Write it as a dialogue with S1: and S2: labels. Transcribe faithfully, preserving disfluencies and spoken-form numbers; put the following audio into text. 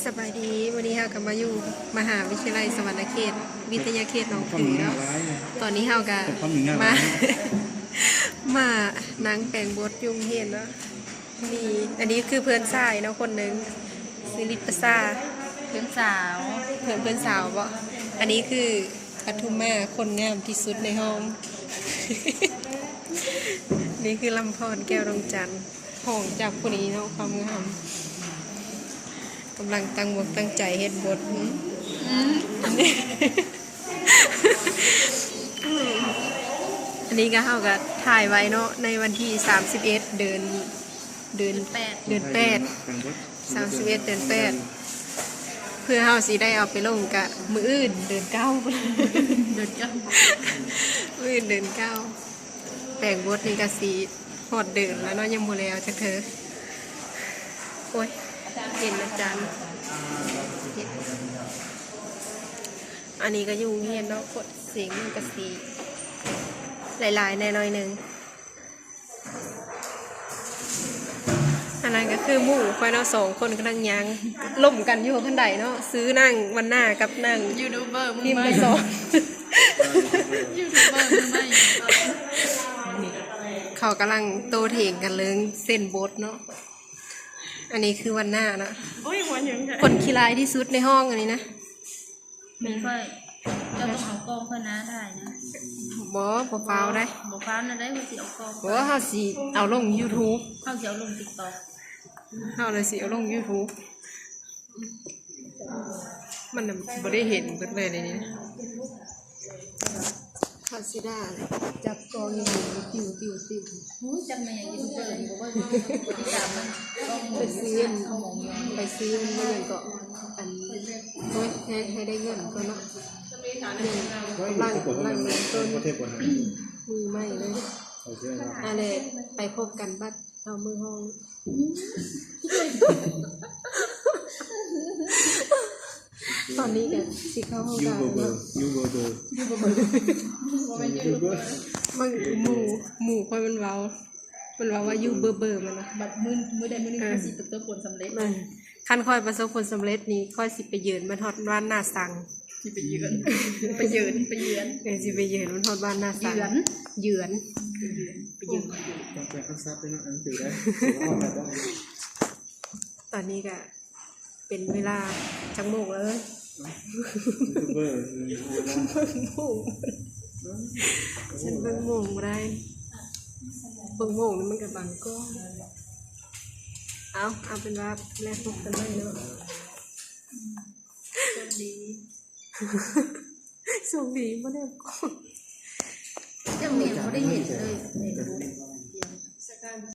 S1: สบายดีวันนี้เรากลับมาอยู่มหาวิทยาลัยสวรรณเขตวิทยาเขตหนองผือแล้วตอนนี้เราก็มา มานั่งแปลงบทยุ่งเห็นเนาะมีอันนี้คือเพื่อนชายเนาะคนหนึ่งซิลิปซา
S2: เพื่อนสาว
S1: เพื่อนเพื่อนสาวบ่อันนี้คือปทุมมาคนงามที่สุดในห้อง นี่คือลำพรแก้วดวงจันทร์ห้องจากคนนี้เนาะความงามกำลังตั้งบทตั้งใจเฮ็ดบทอันนี้อันนี้ก็เฮาก็ถ่ายไว้เนาะในวันที่สามสิบเอ็ดเดือนเดือน
S2: แปด
S1: เดือนแปดสามสิบเอ็ดเดือนแปดเพื่อเฮาสิได้เอาไปลงกะมื้ออื่นเดือนเก้า
S2: เดินกัน
S1: มื้ออื่นเดือนเก้าแปลงบทนี่ก็สิฮอดเดือนแล้วเนาะยังบ่แล้วจักเธอโอ้ยเห็นอาจารย์อันนี้ก็ยุ่งเฮียนเนาะกดเสียงมันก็สีหลายๆแน่น้อยหนึ่งอันนั้นก็คือหมู่ควายเนาะสองคนกำลังยางล่มกันอยู่ข้างใดเนาะซื้อนั่งวันหน้ากับนั่ง
S2: ยูทูบเบอร์มึง
S1: พิมพ์
S2: ไม่
S1: ไปสอง
S2: ยูทูบเบอร์มึงไม่
S1: เขากำลังโตเถียงกันเรื่องเส้นบทเนาะอันนี้คือวันหน้าเนาะ
S2: โอ้ยหัวยังไง
S1: คนขี้ร้ายที่สุดในห้องอันนี้นะ
S2: มีค่อยเราต้องเอากองเพื่อนนะได้นะ
S1: บอปฟ้าวได้
S2: บอกฟ้านะได้เขาสิเอากอง
S1: บอเขาสิเอาลง YouTube
S2: เขาสิเอาลงติ๊กต็อก
S1: เขาเลยสิเอาลง YouTube มันน่ะบ่ได้เห็นเบิดเลยในนี้คาสิได้จับกองอยู่ติวติวติว
S2: หูจำในอย่างยูทูบเบอร์บอกว่าคนที่สามมันกองห
S1: ไป
S2: มุน
S1: ซื้อไปซื้อเงินก็อันโอ้ยให้ให้ได้เงินก็เนาะกำลังกำลังเริ่มต้นมือไม่เลยอะไรไปพบกันบัดเอามือห้องตอนนี้กันสิเข้าห้องการเนาะ
S3: ยูเบอร์เบอร์
S1: ยูเบอร์มันหมู่หมู่ค่อยมันเว้ามันเว้าว่ายูเบอร์เบอร์มันนะ
S2: บัดมือมือใดมือหนึ่งเขาสิประสบผลสำเร็จ
S1: ขั้นค่อยประสบผลสำเร็จนี่ค่อยสิไปยืนมันฮอดบ้านหน้าสัง
S2: สิไปยืนไปยืนไปยืน
S1: เออสิไปยืนมันฮอดบ้านหน้าสัง
S2: ยืน
S1: ยืนไปยืน
S3: ต้องแปลคำศัพท์ด้วยนะอันถือได้
S1: ตอนนี้ก็เป็นเวลาจังโมงเลย
S3: ยูเบอร์
S1: เบิ่งโมงฉันเบิ่งโมงบ่ได้เบิ่งโมงนี่มันก็บังก็เอาเอาเป็นว่าแลกพบกันเลยเนาะ
S2: สวัสดี
S1: ส่งดีบ่ได้ก็
S2: เจ้าเมียเขาได้เห็นเลย